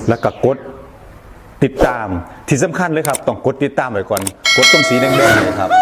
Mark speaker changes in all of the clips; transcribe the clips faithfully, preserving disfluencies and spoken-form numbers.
Speaker 1: แล้วก็กดติดตามที่สำคัญเลยครับต้องกดติดตามไว้ก่อนกดตรงสีแดงๆเลยครับ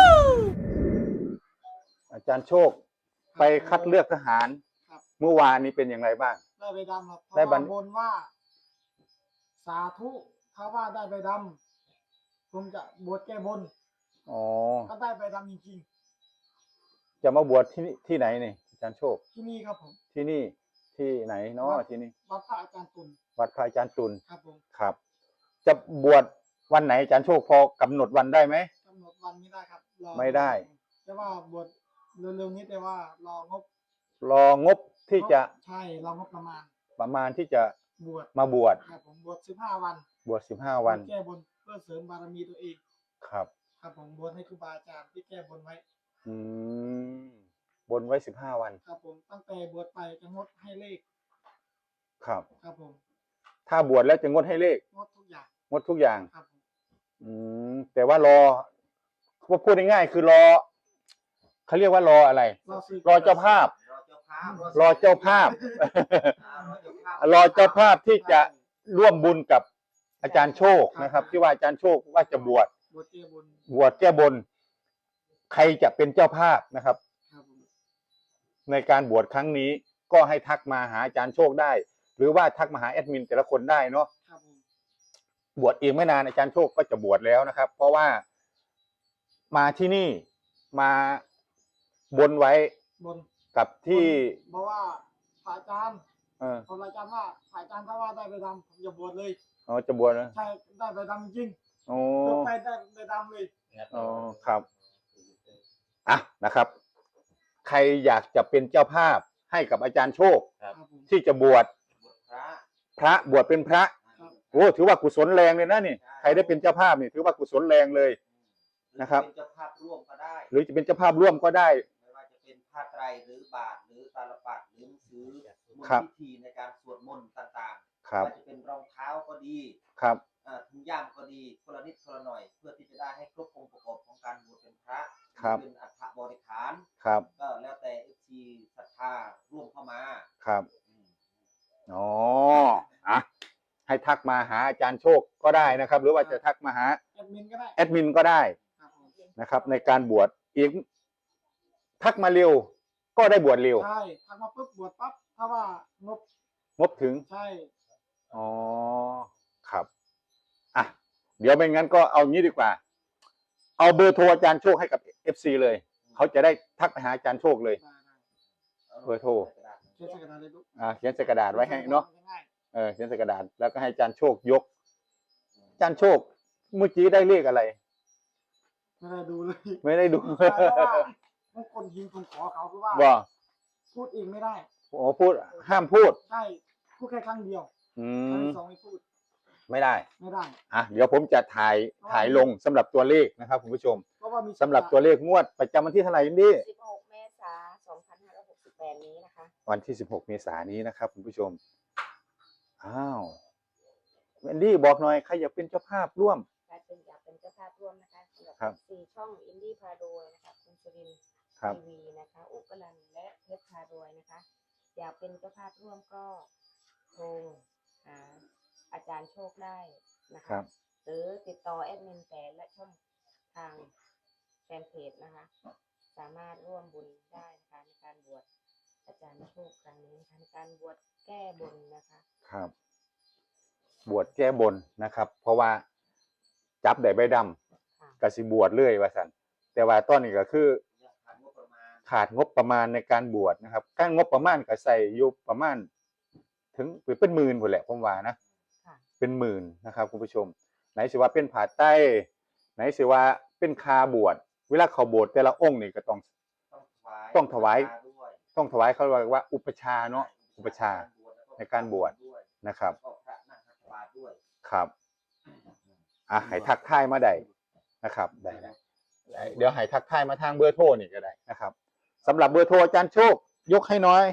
Speaker 1: อาจารย์โชคไปคัดเลือกทหารเมื่อวานนี้เป็นอย่างไรบ้าง
Speaker 2: ได้ใบดำครับได้บนว่าสาธุถ้าว่าได้ใบดำผมจะบวชแก้บน
Speaker 1: อ๋อ
Speaker 2: ก็ได้ใบดำจริง
Speaker 1: ๆจะมาบวชที่ที่ไหนนี่อาจารย์โชค
Speaker 2: ที่นี่ครับผม
Speaker 1: ที่นี่ที่ไหนเนาะที่นี่
Speaker 2: วัดพระอาจารย์ตุล
Speaker 1: วัดพระอาจารย์ตุล
Speaker 2: ครับผม
Speaker 1: ครับจะบวชวันไหนอาจารย์โชคพอกำหนดวันได้ไหม
Speaker 2: กำหนดวันไม่ได้ครับ
Speaker 1: ไม่ได้
Speaker 2: แต่ว่าบวชเร็วๆนี้แต่ว่ารองบ
Speaker 1: รองบที่จะ
Speaker 2: ใช่รองบประมาณ
Speaker 1: ประมาณที่จะ
Speaker 2: บวช
Speaker 1: มาบวช
Speaker 2: ครับผมบวชสิบห้าวัน
Speaker 1: บวชสิบห้าวัน
Speaker 2: แก้บนเพื่อเสริมบารมีตัวเอง
Speaker 1: ครับ
Speaker 2: ครับผมบวชให้ครูบาอาจารย์ที่แก้บนไว้
Speaker 1: อืมบนไว้สิบห้าวัน
Speaker 2: ครับผมตั้งแต่บวชไปจะงดให้เลข
Speaker 1: ครับ
Speaker 2: ครับผม
Speaker 1: ถ้าบวชแล้วจะงดให้เลข
Speaker 2: งดทุกอย่าง
Speaker 1: งดทุกอย่าง
Speaker 2: ครับ
Speaker 1: อืมแต่ว่ารอว่าพูดง่ายๆคือรอเขาเรียกว่ารออะไรรอเจ้าภาพรอเจ้าภาพรอเจ้าภาพที่จะร่วมบุญกับอาจารย์โชคนะครับที่ว่าอาจารย์โชคว่าจะบวช
Speaker 2: บวชแก้บน
Speaker 1: บวชแก้บนใครจะเป็นเจ้าภาพนะครับในการบวชครั้งนี้ก็ให้ทักมาหาอาจารย์โชคได้หรือว่าทักมาหาแอดมินแต่ละคนได้เนาะบวชเองไม่นานอาจารย์โชคก็จะบวชแล้วนะครับเพราะว่ามาที่นี่มาบนไว้
Speaker 2: บน
Speaker 1: กับที่
Speaker 2: เพราะว่าพระอาจารย์เออพระอาจารย์ว่าพระอาจารย์ถ้าว่าได้ใบดำผมจะบวชเลย
Speaker 1: อ๋อจะบวชนะ
Speaker 2: ใช่ได้ใบดำจริง
Speaker 1: โอ้
Speaker 2: ไปได้ใบดำเลย
Speaker 1: อ๋อครับอ่ะนะครับใครอยากจะเป็นเจ้าภาพให้กับอาจารย์โชคที่จะบวชพระบวชเป็นพระโอ้ถือว่ากุศลแรงเลยนะนี่ใครได้เป็นเจ้าภาพนี่ถือว่ากุศลแรงเลยนะครับ
Speaker 3: เป็นเจ้าภาพร่วมก็ได้
Speaker 1: หรือจะเป็นเจ้าภาพร่วมก็ได้
Speaker 3: ไม่ว่าจะเป็นผ้าไตรหรือบาตรหรือตาลปัดหรือหนังสือมนต์พิธีในการสวดมนต์ต่างๆว่าจะเป็นรองเท้าก็ดี
Speaker 1: ครับ
Speaker 3: ถุงย่ามก็ดีคนละนิดคนละหน่อยเพื่อที่จะได้ให้ครบองค์ประกอบของการบวชเป็นพระเป็นอัฐบริขาร
Speaker 1: ครับ
Speaker 3: ก็แล้วแต่เอฟซีศรัทธาร่วมเข้ามา
Speaker 1: ครับอ๋ออ่ะให้ทักมาหาอาจารย์โชคก็ได้นะครับหรือว่าจะทักมาหา
Speaker 2: แอดมินก็ได้
Speaker 1: แอดมินก็ได้นะครับในการบวชอีกทักมาเร็วก็ได้บวชเร็ว
Speaker 2: ใช่ทักมาปุ๊บบวชปั๊บถ้าว่างบ
Speaker 1: งบถึง
Speaker 2: ใช่
Speaker 1: อ๋อครับอ่ะเดี๋ยวไม่งั้นก็เอางี้ดีกว่าเอาเบอร์โทรอาจารย์โชคให้กับ เอฟ ซี เลยเขาจะได้ทักไปหาอาจารย์โชคเลยเบอร์โทร
Speaker 2: เขียนใส่กระดาษเลยลูก
Speaker 1: อ่าเขียนใส่กระดาษไว้ให้เนาะเออเขียนใส่กระดาษแล้วก็ให้อาจารย์โชคยกอาจารย์โชคเมื่อกี้ได้เลขอะไร
Speaker 2: ไม่ได้ดูเลย
Speaker 1: ไม่ได้ดู
Speaker 2: เพราะว่าทุกคนยิงผมขอเขาคือว่า
Speaker 1: ว่า
Speaker 2: พูดเองไม่ได้
Speaker 1: โอ้พูดห้ามพูด
Speaker 2: ใช่พูดแค่ครั้งเดียว
Speaker 1: อื
Speaker 2: ครั้ง
Speaker 1: ม
Speaker 2: ที่สองไม่พูด
Speaker 1: ไม่ได้
Speaker 2: ไม่ได้
Speaker 1: อ่ะเดี๋ยวผมจะถ่ายถ่ายลงสำหรับตัวเลขนะครับคุณผู้ชมสำหรับตัวเลขงวดประจำวันที่เท่าไหร่นี่
Speaker 4: สิบหกเมษายนสองพันห้าร้อยหกสิบแปดนี้นะคะ
Speaker 1: วันที่สิบหกเมษายนนี้นะครับคุณผู้ชมอ้าวแวนดี้บอกหน่อยใครอยากเป็นเจ้าภาพร่วม
Speaker 4: ใครเป็นอยากเป็นเจ้าภาพร่วมนะคะสำหรับสี่ช่องอินดี้พาโดยนะคะคุณสุรินทร์ทีวีนะคะอุกลันและเพชรพาโดยนะคะอยากเป็นเจ้าภาพร่วมก็โทรหาอาจารย์โชคได้นะคะหรือติดต่อแอดมินแต่และช่องทางแฟนเพจนะคะสามารถร่วมบุญได้นะคะในการบวชอาจารย์โชคครั้งนี้นะคะในการบวชแก้บนนะคะ
Speaker 1: ครับบวชแก้บนนะครับเพราะว่าจับได้ใบดำกสิบวชเรื่อยว่าสันแต่ว่าตอนนี้ก็คือขาดงบประมาณในการบวชนะครับก้างงบประมาณก็ใส่อยู่ประมาณถึงเป็นหมื่นหมดแหละผมว่านะเป็นหมื่นนะครับคุณผู้ชมไหนสิว่าเป็นผาใต้ไหนสิว่าเป็นคาบวชเวลาเขาบวชแต่ละองค์นี่ก็ต้องต้องถวายต้องถวายเขาเรียกว่าอุปชาเนาะอุปชาในการบวชนะครับครับอ่ะให้ทักทายมาได้นะครับได้เดี๋ยวให้ทักทายมาทางเบอร์โทรนี่ก็ได้นะครับสำหรับเบอร์โทรอาจารย์โชคยกให้น้อย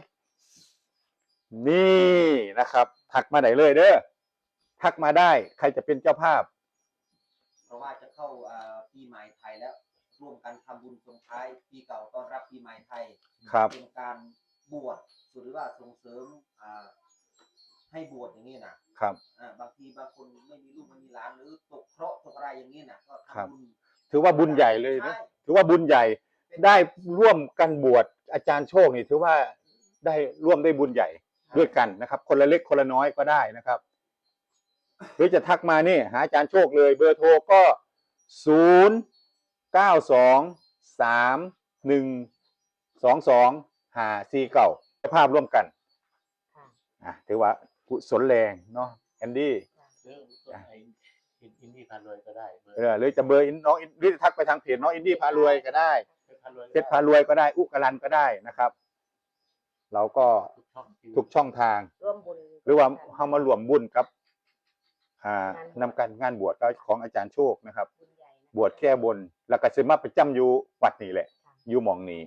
Speaker 1: นี่นะครับทักมาได้เลยเด้อทักมาได้ใครจะเป็นเจ้าภาพ
Speaker 3: เพราะว่าจะเข้าปีใหม่ไทยแล้วร่วมกันทำบุญส่งท้ายปีเก่าต้อนรับปีใหม่ไทยเป็นการบวชหรือว่าส่งเสริมใหให้บวชอย่างนี้นะครับ อ่าบางทีบางคนไม่มีลูกไม่มีหลานหรือตกเคราะห์ตกอะไรอย่างนี้นะก็
Speaker 1: ครับ
Speaker 3: ทำบุญ
Speaker 1: ถือว่าบุญใหญ่เลยนะ
Speaker 3: ใช่
Speaker 1: ถือว่าบุญใหญ่ได้ร่วมกันบวชอาจารย์โชคนี่ถือว่าได้ร่วมได้บุญใหญ่ด้วยกันนะครับ คนละเล็กคนละน้อยก็ได้นะครับ หรือจะทักมานี่หาอาจารย์โชคเลยเบอร์โทรก็ศูนย์เก้าสองสามหนึ่งสองสองห้าสี่เก้าภาพร่วมกัน
Speaker 4: ค่ะ
Speaker 1: อ่ะถือว่ากุศลแรงเนาะแอนดี้
Speaker 5: เรื่องตัวไอ้อินอินดี้พารวยก็ได้เบอร์
Speaker 1: เออหรือจะเบอร์อินน้องอินหรือจะทักไปทางเพจน้องอินดี้พารวยก็ได้
Speaker 5: เพชรพารวย
Speaker 1: เพชรพารวยก็ได้อุกกรันก็ได้นะครับ เราก็
Speaker 5: ทุกช่อง
Speaker 1: ทุกช่องทาง
Speaker 4: ร่วมบุญ
Speaker 1: หรือว่าเข้ามารวมบุญครับอ่านำการงานบวชของอาจารย์โชคนะครับ
Speaker 4: บุญใหญ่นะคะ
Speaker 1: บวชแก้บน แล้วก็สิมาประจำอยู่วัดนี่แหละ อยู่หมองนี้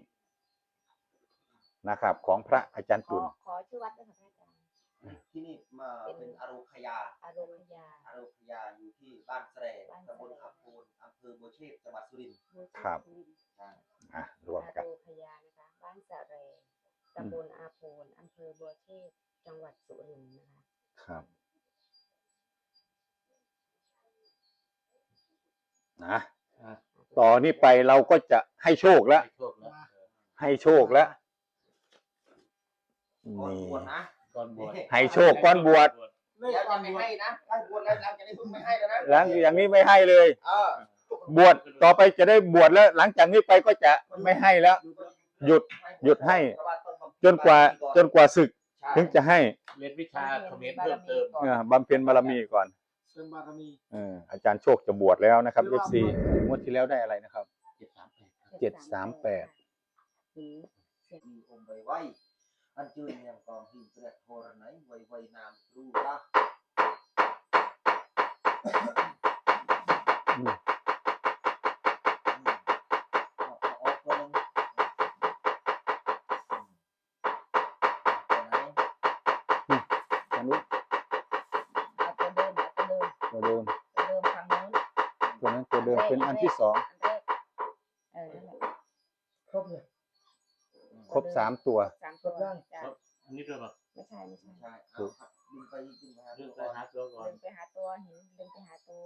Speaker 1: นะครับ ของพระอาจารย์
Speaker 4: ขอ
Speaker 1: ตุล
Speaker 4: ขอชื่อวัดด้วยค่ะพระอาจารย์
Speaker 3: ที่นี่มาเป็นอโรคยา
Speaker 4: อารมณ์ยา
Speaker 3: อโรคยาอยู่ที่บ้านแสร
Speaker 4: บ้านแสร
Speaker 3: ตำบลอัมพูนอำเภอบัวเชษจังหวัดสุรินทร์
Speaker 4: บูชา
Speaker 1: ครับ
Speaker 4: บุญ
Speaker 3: ใช่
Speaker 1: อ่ะรวม
Speaker 4: อา
Speaker 1: กัน
Speaker 4: โรพยานะคะ บ้านสะเรตำบลอาโพนอำเภอบัวเชษจังหวัดสุรินทร์นะคะ
Speaker 1: ครับนะ
Speaker 5: อ่ะ
Speaker 1: ต่อนนี้ไปเราก็จะให้โชคแล้ว
Speaker 5: ให้โชคแล้ว
Speaker 1: ให้โชคแล้ว
Speaker 3: ก่อน
Speaker 1: นี่
Speaker 3: บวชนะ
Speaker 5: ก่อนบวช
Speaker 1: ให้โชคก่อนบวช
Speaker 2: เลข
Speaker 3: เดี๋ยว
Speaker 2: ก่อ
Speaker 3: จะ
Speaker 2: น
Speaker 3: ไม่
Speaker 2: บวช
Speaker 3: ให้นะถ้าบวชแล้วหลังจากนี้เพิ่งไม่ให้แล้วนะ
Speaker 1: หลังอย่างนี้ไม่ให้เลย
Speaker 3: เออบ
Speaker 1: วชต่อไปจะได้บวชแล้ว หลังจากนี้ไปก็จะไม่ให้แล้ว หยุดหยุดให้ จนกว่าจนกว่าศึก
Speaker 3: ใช่
Speaker 1: ถึงจะให้
Speaker 5: เรียนวิชาเขมรเพิ่มเติม
Speaker 1: เอ่อบำเพ็ญบารมีก่อน
Speaker 2: เสริมบารมี
Speaker 1: เอออาจารย์โชคจะบวชแล้วนะครับ เอฟ ซี งวดที่แล้วได้อะไรนะครับ
Speaker 5: เจ็ดสามแปด
Speaker 1: เจ็ดสามแปด
Speaker 4: หืม
Speaker 3: มีองค์ไว้ไว้อันจืนยังกองหินเปรียกโทรไหนไว้ไว้นามรู้ละ
Speaker 1: อืม
Speaker 3: เอาเอาเอาตัวหนึงอืมตัวไหน
Speaker 1: อันนี้
Speaker 4: เอาตัวเดิมเอาตัวเดิม
Speaker 1: ตัวเดิม
Speaker 4: ตัวเดิมฝั่งนู้น
Speaker 1: ตัวนั้นตัวเดิมเป็นอันที่สอง
Speaker 4: อันแรกเออนั่นแหละ
Speaker 2: ครบเลย
Speaker 1: ครบสามตัว
Speaker 4: สามตัวจ้ะ
Speaker 5: อันนี้ด้วยป่ะ
Speaker 4: ไม่ใช่ไม่ใช่
Speaker 3: ใช่เอาครับดึงไปดึงไปหา
Speaker 5: เรื่
Speaker 3: ตั
Speaker 5: อง
Speaker 3: ว
Speaker 5: ไป
Speaker 3: ก่อน
Speaker 5: หาตัวก่อน
Speaker 4: เดินไปหาตัวเห็นเดินไปหาตัว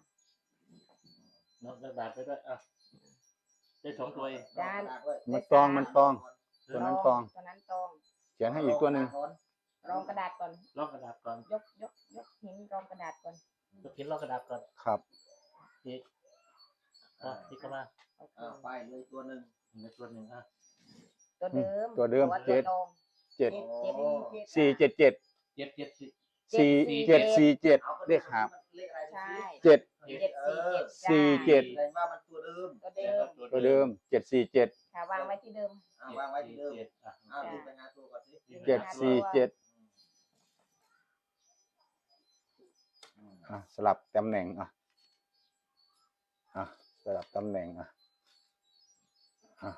Speaker 5: น้องกระดาษไปด้วยอ่ะได้สองตัวเอง
Speaker 4: ด้าน
Speaker 1: มันตองมันตอง ตัวนั้นตอง
Speaker 4: ตัวนั้นตอง
Speaker 1: เขียนให้อีกตัวหนึ่ง
Speaker 4: รองกระดาษก่อน
Speaker 5: ลอกกระดาษก่อน
Speaker 4: ยกยกยกหินรองกระดาษก่อน
Speaker 5: ยกเขียนลอกกระดาษก่อน
Speaker 1: ครับ
Speaker 5: อีกอ่ะที่เข้ามา
Speaker 4: โอเค
Speaker 3: เอาไปเลยตัวหนึ่ง
Speaker 5: ในตัวหนึ่งอ่ะ
Speaker 4: ตัวเดิม
Speaker 1: ตัวเดิม
Speaker 4: ตัว
Speaker 1: เจ็ด
Speaker 4: ตอง
Speaker 1: เจ็ด
Speaker 4: เจ็ด
Speaker 1: สี่เจ็ดเจ็ด
Speaker 5: เจ็ดเจ็ดสี่
Speaker 1: สี่เจ็ดสี่เจ็ด
Speaker 3: เอาไป
Speaker 1: เลขหาบ
Speaker 3: เลขอะไร
Speaker 4: ใช่
Speaker 1: เจ็ด
Speaker 4: เจ็ดสี่เจ็ดจ้า
Speaker 1: สี่เจ็ด
Speaker 3: แสดงว่ามันตัวเดิม
Speaker 4: ตัวเดิม
Speaker 1: ตัวเดิมเจ็ดสี่เจ็ด
Speaker 4: ค่ะวางไว้ที่เดิม
Speaker 3: เอาวางไว้ที่เดิม
Speaker 5: จ็อ่ะ
Speaker 3: เอาดึงไปหาตัวก่อนสิ
Speaker 1: เจ็ดสี่เจ็ด
Speaker 3: อืม
Speaker 1: อ่ะสลับตำแหน่งอ่ะอ่ะสลับตำแหน่งอ่ะอ่ะ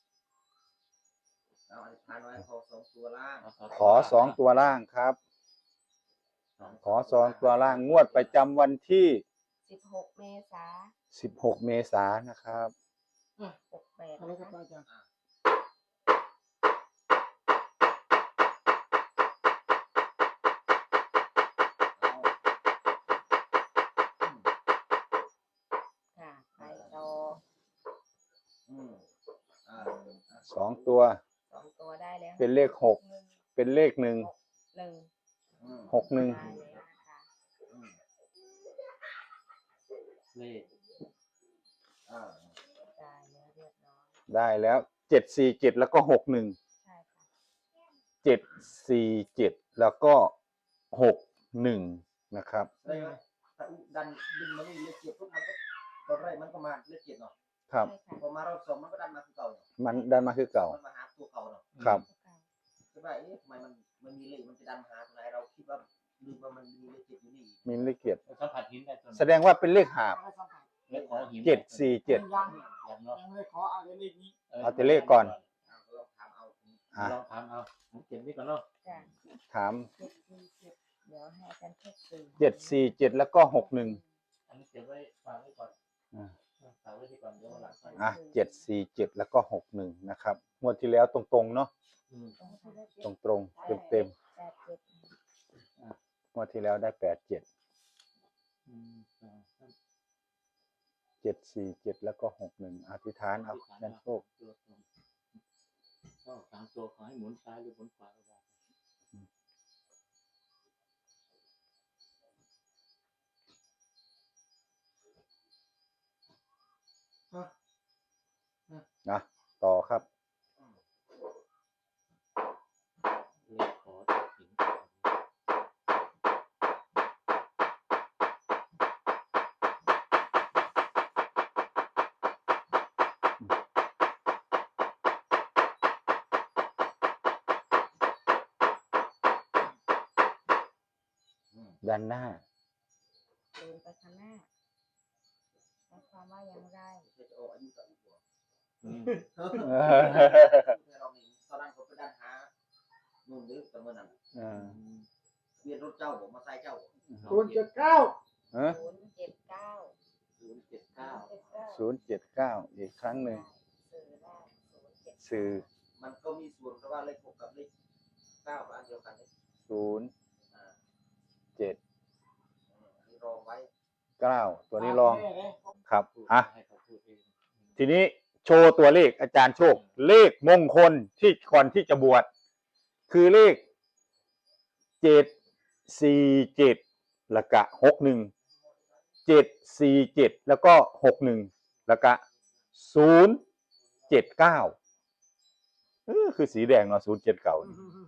Speaker 3: เอาอธิษฐานไว้ขอสองตัวล่าง
Speaker 1: ขอสองตัวล่างครับ ขอสองตัวล่างงวดประจำวันที่
Speaker 4: สิบหกเมษา
Speaker 1: สิบหกเมษายนนะครับ
Speaker 4: หกแปด
Speaker 2: อะไร
Speaker 4: นะ
Speaker 2: ครับ
Speaker 4: คะ
Speaker 2: อาจารย์
Speaker 4: ค่ะไปต่อ
Speaker 3: อืมอ่า
Speaker 1: สองตัว
Speaker 4: สองตัวได้แล้ว
Speaker 1: เป็นเลขหก
Speaker 4: หนึ่ง
Speaker 1: เป็นเลขหนึ่ง
Speaker 4: หนึ่ง
Speaker 3: อืม
Speaker 1: หกหนึ่ง
Speaker 4: ได้แล้วนะคะ
Speaker 3: อืม
Speaker 5: เลข
Speaker 3: อ่า
Speaker 4: ได้แล้วเรียบร้อย
Speaker 1: ได้แล้วเจ็ดสี่เจ็ดแล้วก็หกหนึ่ง
Speaker 4: ใช่ค่ะ
Speaker 1: เจ็ดสี่เจ็ดแล้วก็หกหนึ่งนะครับ
Speaker 3: ได้ไหมถ้าอุดันดึงมานี่เลขเจ็ดปุ๊บมันก็ตอนแรกมันก็มาเลขเจ็ดเนาะ
Speaker 1: ครับ
Speaker 4: ใช่ค่ะ
Speaker 3: พอมารอบสองมันก็ดันมาคือเก่าเนาะ
Speaker 1: มันดันมาคือเก่า
Speaker 3: มันมาหาตัวเก่าเนาะ
Speaker 1: ครับ
Speaker 3: ใช่ไหมเอ๊ะทำไมมันมันมีเลขมันจะดันมาหาตรงไหนเราคิดว่าลืมว่ามันมีเลขเจ็ดอยู่นี่อีก
Speaker 1: มีเลขเกียรติ
Speaker 5: สัมผัสหินได้ตัว
Speaker 1: แสดงว่าเป็นเลขหาบ
Speaker 2: อะไรสัมผัส
Speaker 5: เลขขอหิน
Speaker 1: เจ็ดสี่เจ็ด
Speaker 2: ยัง
Speaker 5: อย่างเนาะ
Speaker 2: ยังไม่ได้ขออะไรเลขนี้
Speaker 1: เอาแต่เลขก่อน
Speaker 3: เอาลองถามเอา
Speaker 1: อ่ะ
Speaker 5: ลองถามเอาเจ็ดนี่ก่อนเนาะ
Speaker 4: จ้ะ
Speaker 1: ถาม
Speaker 4: เจ็ดสี่เจ็ดเดี๋ยวให้อาจารย์เช็คสื่อ
Speaker 1: เจ็ดสี่เจ็ดแล้วก็หกหนึ่ง
Speaker 5: อันนี้เก็บไว้ฝากไว้ก่อน
Speaker 1: อ่า
Speaker 5: ฝากไว้ที่ก่อนเดี๋ยววันหลังค่อย
Speaker 1: อ่ะเจ็ดสี่เจ็ดแล้วก็หกหนึ่งนะครับงวดที่แล้วตรงๆเนาะ
Speaker 5: อืม
Speaker 4: ตรงที่เลข
Speaker 1: ตรงๆเต็ม
Speaker 4: แปดเจ็ด
Speaker 5: อ่ะ
Speaker 1: งวดที่แล้วได้แปดเจ็ด
Speaker 5: อืมอ่าท่าน
Speaker 1: เจ็ดสี่เจ็ดแล้วก็หกหนึ่งอธิษฐานเอาอาจารย์โชค
Speaker 5: ตัวตรงก็สามตัวขอให้หมุนซ้ายหรือหมุนขวาก็ได้
Speaker 2: อ่ะ
Speaker 1: นะต่อครับ
Speaker 5: เลขขอจากหินก่อน
Speaker 1: ด้านหน้า
Speaker 4: เดินไปข้างหน้าหมายความว่าอย่างไร
Speaker 3: จะออกอายุต่ออีกบ่
Speaker 5: อืม
Speaker 3: เรามีตอนนั้นเขาไปดันหานู่นหรือแต่เมื่อนั้น
Speaker 1: เออ
Speaker 3: เวียนรถเจ้าผมมาใส่เจ้า
Speaker 2: ศูนย์เจ็ดเก้า
Speaker 1: เอ้อ
Speaker 4: ศูนย์เจ็ดเก้า
Speaker 5: ศูนย์เจ็ดเก้า
Speaker 4: เจ็ดเก้า
Speaker 1: ศูนย์เจ็ดเก้าอีกครั้งหนึ่ง
Speaker 4: สื่อได้ศูนย์เจ็ด
Speaker 1: สื่อ
Speaker 3: มันก็มีส่วนเพราะว่าเลขหกกับเลขเก้าก็อันเดียวกันเลย
Speaker 1: ศูนย์
Speaker 3: อ่า
Speaker 1: เจ็ด
Speaker 3: อันนี้รองไว้
Speaker 1: เก้าตัวนี้ลอง
Speaker 2: แม่เลย
Speaker 1: ครับ
Speaker 5: พูด
Speaker 1: อ่ะ
Speaker 5: ให้เขาพูดเอง
Speaker 1: ทีนี้โชว์ตัวเลขอาจารย์โชค เลขมงคลที่ก่อนที่จะบวชคือเลขเจ็ดสี่เจ็ดแล้วก็หกหนึ่งเจ็ดสี่เจ็ดแล้วก็หกหนึ่งแล้วก็ศูนย์เจ็ดเก้าเออคือสีแดงเนาะศูนย์เจ็ดเก้า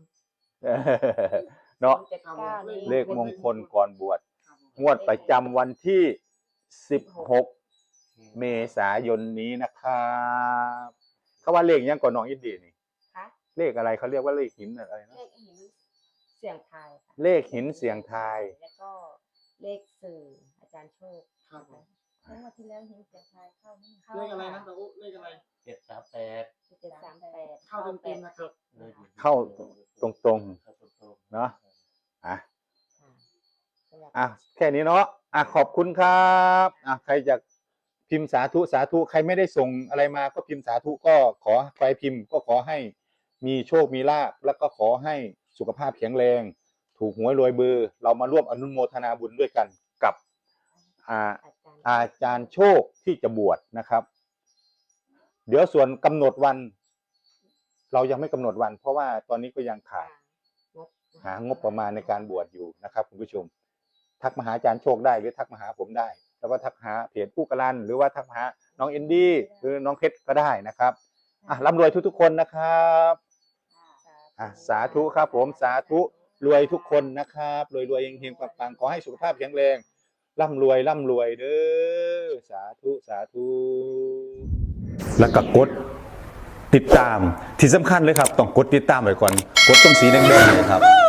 Speaker 1: เนาะ
Speaker 4: เจ็ดเก้านี้
Speaker 1: เลขมงคลก่อนบวชงวดประจำวันที่สิบหกเมษายนนี้นะครับเขาว่าเลขยังก่อนน้องอินดีนี่
Speaker 4: คะ
Speaker 1: เลขอะไรเขาเรียกว่าเลขหินอะไรนะ
Speaker 4: เลขหินเสียงทายค่ะ
Speaker 1: เลขหินเสียงทาย
Speaker 4: แล้วก็เลขสื่ออาจารย์โชค
Speaker 2: ครับ
Speaker 4: นะคะเมื่อวันที่แล้วหินเสียงทายเข้าไม่เข้า
Speaker 2: เลขอะไรนะตะอุเลขอะไร
Speaker 5: เจ็ดสามแปด
Speaker 4: เจ็ดสามแปด
Speaker 2: เข้าเต็มๆนะครับ
Speaker 5: ลขหิน
Speaker 1: เข้าตรง
Speaker 5: เข้าตรงๆ
Speaker 1: เนาะ อ่ะ
Speaker 4: ค่ะสำหรับ
Speaker 1: อ่ะแค่นี้เนาะอ่ะขอบคุณครับอ่ะใครจะพิมพ์สาธุสาธุใครไม่ได้ส่งอะไรมาก็พิมพ์สาธุก็ขอใครพิมพ์ก็ขอให้มีโชคมีลาภแล้วก็ขอให้สุขภาพแข็งแรง ถูกหวยรวยเบอร์ เรามาร่วมอนุโมทนาบุญด้วยกันกับอ่า
Speaker 4: อาจารย์
Speaker 1: อาจารย์โชคที่จะบวชนะครับ เดี๋ยวส่วนกำหนดวัน เรายังไม่กำหนดวัน เพราะว่าตอนนี้ก็ยังขาด
Speaker 4: งบ
Speaker 1: หางบประมาณในการบวชอยู่นะครับคุณผู้ชม ทักมาหาอาจารย์โชคได้หรือทักมาหาผมได้ แล้วก็ทักหาเพจผู้กรันหรือว่าทักมาหาน้องเอนดี้หรือน้องเพชรก็ได้นะครับอ่ะร่ำรวยทุกๆคนนะครับอ่ะสาธุครับผมสาธุรวยทุกคนนะครับรวยรวยเฮงๆปังๆขอให้สุขภาพแข็งแรงร่ำรวยร่ำรวยเด้อสาธุสาธุแล้วก็กดติดตามที่สำคัญเลยครับต้องกดติดตามไว้ก่อนกดตรงสีแดงๆเลยครับ